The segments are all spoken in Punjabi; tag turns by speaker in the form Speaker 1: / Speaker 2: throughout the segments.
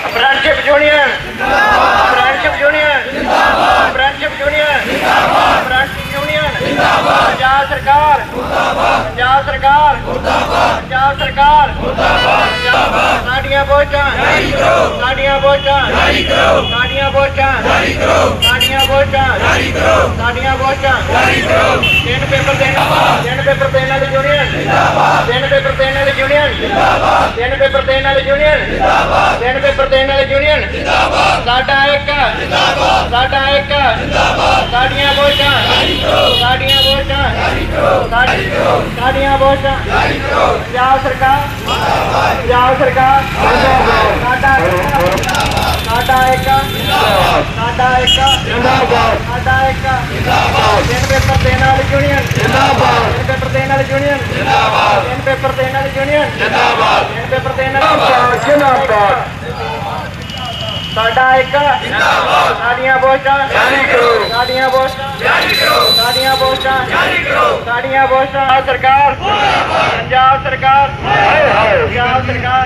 Speaker 1: Friendship union friendship union friendship union friendship union Punjab सरकार पंजाब सरकार पंजाब सरकार साडियां वोटां साडियां वोटां साडियां वोटां साडियां वोटां साडियां वोटां तीन पेपर देने वाली यूनियन तीन पेपर देने वाली यूनियन तीन पेपर देने वाली यूनियन तीन पेपर देने वाली यूनियन साडा एक साडियां वोटां साडियां वोटां साडियां वोटां पंजाब सरकार साडा एक साडा एक तीन पेपर देने वाली यूनियन तीन पेपर देने वाली यूनियन तीन पेपर देने वाली यूनियन तीन पेपर देने साडा एक साडियां वोटां साडियां वोटां साडियां वोटां साडियां वोटां सरकार पंजाब सरकार पंजाब सरकार।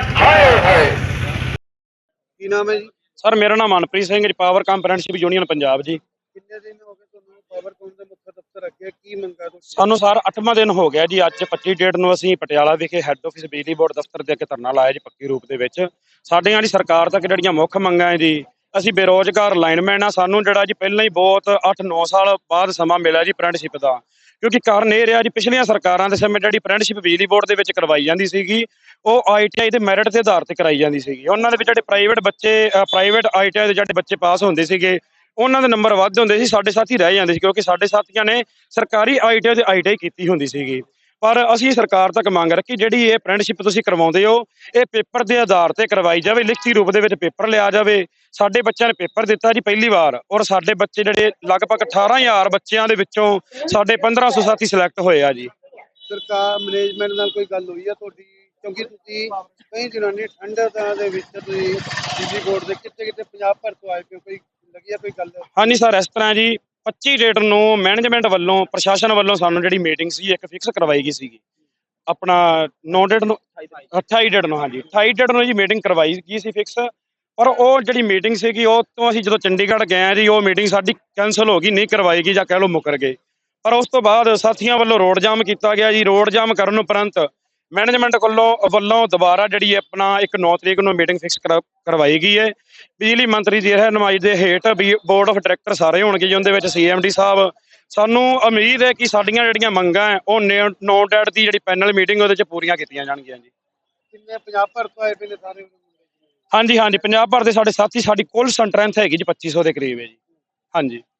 Speaker 2: ਕੀ ਨਾਮ ਹੈ ਜੀ?
Speaker 3: ਸਰ ਮੇਰਾ ਨਾਮ ਮਨਪ੍ਰੀਤ ਸਿੰਘ ਜੀ, ਪਾਵਰ ਕੰਪਰੈਂਟਸ਼ਿਪ ਯੂਨੀਅਨ ਪੰਜਾਬ ਜੀ।
Speaker 2: ਕਿੰਨੇ ਦਿਨ ਹੋ ਗਏ ਤੁਹਾਨੂੰ ਪਾਵਰਕੌਮ ਦੇ ਮੁੱਖ ਦਫ਼ਤਰ ਅੱਗੇ ਕੀ ਮੰਗਾ ਤੁਸੀਂ?
Speaker 3: ਸਾਨੂੰ ਸਰ 8ਵਾਂ ਦਿਨ ਹੋ ਗਿਆ ਜੀ। ਅੱਜ 25 ਡੇਟ ਨੂੰ ਅਸੀਂ ਪਟਿਆਲਾ ਵਿਖੇ ਹੈੱਡ ਆਫਿਸ ਬਿਜਲੀ ਬੋਰਡ ਦਫ਼ਤਰ ਦੇ ਅੱਗੇ ਧਰਨਾ ਲਾਇਆ ਜੀ, ਪੱਕੀ ਰੂਪ ਦੇ ਵਿੱਚ। ਸਾਡੀਆਂ ਜੀ ਸਰਕਾਰ ਤੱਕ ਜਿਹੜੀਆਂ ਮੁੱਖ ਮੰਗਾਂ ਹੈ ਜੀ, ਅਸੀਂ ਬੇਰੋਜ਼ਗਾਰ ਲਾਈਨਮੈਨ ਆ, ਸਾਨੂੰ ਜਿਹੜਾ ਜੀ ਪਹਿਲਾਂ ਹੀ ਬਹੁਤ 8-9 ਸਾਲ ਬਾਅਦ ਸਮਾਂ ਮਿਲਿਆ ਜੀ ਅਪਰੈਂਟਿਸਸ਼ਿਪ ਦਾ। ਕਿਉਂਕਿ ਕਾਰਨ ਇਹ ਰਿਹਾ ਜੀ, ਪਿਛਲੀਆਂ ਸਰਕਾਰਾਂ ਦੇ ਸਮੇਂ ਜਿਹੜੀ ਅਪਰੈਂਟਿਸਸ਼ਿਪ ਬਿਜਲੀ ਬੋਰਡ ਦੇ ਵਿੱਚ ਕਰਵਾਈ ਜਾਂਦੀ ਸੀਗੀ, ਉਹ ITI ਦੇ ਮੈਰਿਟ ਦੇ ਆਧਾਰ ਤੇ ਕਰਾਈ ਜਾਂਦੀ ਸੀਗੀ। ਉਹਨਾਂ ਦੇ ਵਿੱਚ ਜਿਹੜੇ ਪ੍ਰਾਈਵੇਟ ITI ਦੇ ਜਿਹੜੇ ਬੱਚੇ ਪਾਸ ਹੁੰਦੇ ਸੀਗੇ, ਉਹਨਾਂ ਦੇ ਨੰਬਰ ਵੱਧ ਹੁੰਦੇ ਸੀ, ਸਾਡੇ ਸਾਥੀ ਰਹਿ ਜਾਂਦੇ ਸੀ, ਕਿਉਂਕਿ ਸਾਡੇ ਸਾਥੀਆਂ ਨੇ ਸਰਕਾਰੀ ITI ਤੇ ITI ਕੀਤੀ ਹੁੰਦੀ ਸੀਗੀ। ਪਰ ਅਸੀਂ ਸਰਕਾਰ ਤੱਕ ਮੰਗ ਰੱਖੀ, ਜਿਹੜੀ ਇਹ ਅਪਰੈਂਟਿਸਸ਼ਿਪ ਤੁਸੀਂ ਕਰਵਾਉਂਦੇ ਹੋ, ਇਹ ਪੇਪਰ ਦੇ ਆਧਾਰ ਤੇ ਕਰਵਾਈ ਜਾਵੇ, ਲਿਖਤੀ ਰੂਪ ਦੇ ਵਿੱਚ ਪੇਪਰ ਲਿਆ ਜਾਵੇ। ਸਾਡੇ ਬੱਚਿਆਂ ਨੇ ਪੇਪਰ ਦਿੱਤਾ ਜੀ ਪਹਿਲੀ ਵਾਰ, ਔਰ ਸਾਡੇ ਬੱਚੇ ਜਿਹੜੇ ਲਗਭਗ 18,000 ਬੱਚਿਆਂ ਦੇ ਵਿੱਚੋਂ ਸਾਡੇ 1500 ਸਾਥੀ ਸਿਲੈਕਟ ਹੋਏ ਆ ਜੀ।
Speaker 2: ਸਰਕਾਰ ਮੈਨੇਜਮੈਂਟ ਨਾਲ ਕੋਈ ਗੱਲ ਹੋਈ ਆ ਤੁਹਾਡੀ? ਕਿਉਂਕਿ ਤੁਸੀਂ ਕਈ ਦਿਨਾਂ ਦੀ ਠੰਡ ਦੇ ਵਿੱਚ ਤੁਸੀਂ ਬਿਜਲੀ ਬੋਰਡ ਦੇ ਕਿਤੇ ਪੰਜਾਬ ਭਰ ਤੋਂ ਆਏ ਪਏ, ਕੋਈ ਲੱਗੀ ਆ ਕੋਈ ਗੱਲ?
Speaker 3: ਹਾਂਜੀ ਸਰ, ਇਸ ਤਰ੍ਹਾਂ ਜੀ 25 ਡੇਟ ਨੂੰ ਮੈਨੇਜਮੈਂਟ ਵੱਲੋਂ, ਪ੍ਰਸ਼ਾਸਨ ਵੱਲੋਂ ਸਾਨੂੰ ਜਿਹੜੀ ਮੀਟਿੰਗ ਸੀ ਇੱਕ ਫਿਕਸ ਕਰਵਾਈ ਗਈ ਸੀਗੀ। ਆਪਣਾ 9 ਡੇਟ ਨੂੰ 28 ਡੇਟ ਨੂੰ, ਹਾਂਜੀ 28 ਡੇਟ ਨੂੰ ਜੀ ਮੀਟਿੰਗ ਕਰਵਾਈ ਗਈ ਸੀ ਫਿਕਸ। ਪਰ ਉਹ ਜਿਹੜੀ ਮੀਟਿੰਗ ਸੀਗੀ, ਉਹ ਤੋਂ ਅਸੀਂ ਜਦੋਂ ਚੰਡੀਗੜ੍ਹ ਗਏ ਆ ਜੀ, ਉਹ ਮੀਟਿੰਗ ਸਾਡੀ ਕੈਂਸਲ ਹੋ ਗਈ, ਨਹੀਂ ਕਰਵਾਈ ਗਈ, ਜਾਂ ਕਹਿ ਲਓ ਮੁੱਕਰ ਗਏ। ਪਰ ਉਸ ਤੋਂ ਬਾਅਦ ਸਾਥੀਆਂ ਵੱਲੋਂ ਰੋਡ ਜਾਮ ਕੀਤਾ ਗਿਆ ਜੀ। ਰੋਡ ਜਾਮ ਕਰਨ ਉਪਰੰਤ ਮੈਨੇਜਮੈਂਟ ਵੱਲੋਂ ਦੁਬਾਰਾ ਜਿਹੜੀ ਆਪਣਾ 9 ਤਰੀਕ ਨੂੰ ਮੀਟਿੰਗ ਫਿਕਸ ਕਰਵਾਈ ਗਈ ਹੈ। ਬਿਜਲੀ ਮੰਤਰੀ ਦੀ ਰਹਿਨੁਮਾਈ ਦੇ ਹੇਠ ਬੋਰਡ ਆਫ ਡਾਇਰੈਕਟਰ ਸਾਰੇ ਹੋਣਗੇ ਜੀ, ਉਹਦੇ ਵਿੱਚ CMD ਸਾਹਿਬ। ਸਾਨੂੰ ਉਮੀਦ ਹੈ ਕਿ ਸਾਡੀਆਂ ਜਿਹੜੀਆਂ ਮੰਗਾਂ ਹੈ, ਉਹ 9 ਡੇਟ ਦੀ ਜਿਹੜੀ ਪੈਨਲ ਮੀਟਿੰਗ ਉਹਦੇ 'ਚ ਪੂਰੀਆਂ ਕੀਤੀਆਂ ਜਾਣਗੀਆਂ ਜੀ।
Speaker 2: ਕਿੰਨੇ ਪੰਜਾਬ ਭਰ ਤੋਂ ਆਏ ਪਏ ਨੇ ਸਾਰੇ?
Speaker 3: ਹਾਂਜੀ, ਪੰਜਾਬ ਭਰ ਦੇ ਸਾਡੇ ਸਾਥੀ, ਸਾਡੀ ਕੁੱਲ ਸਟਰੈਂਥ ਹੈਗੀ ਜੀ 2500 ਦੇ ਕਰੀਬ ਹੈ ਜੀ। ਹਾਂਜੀ।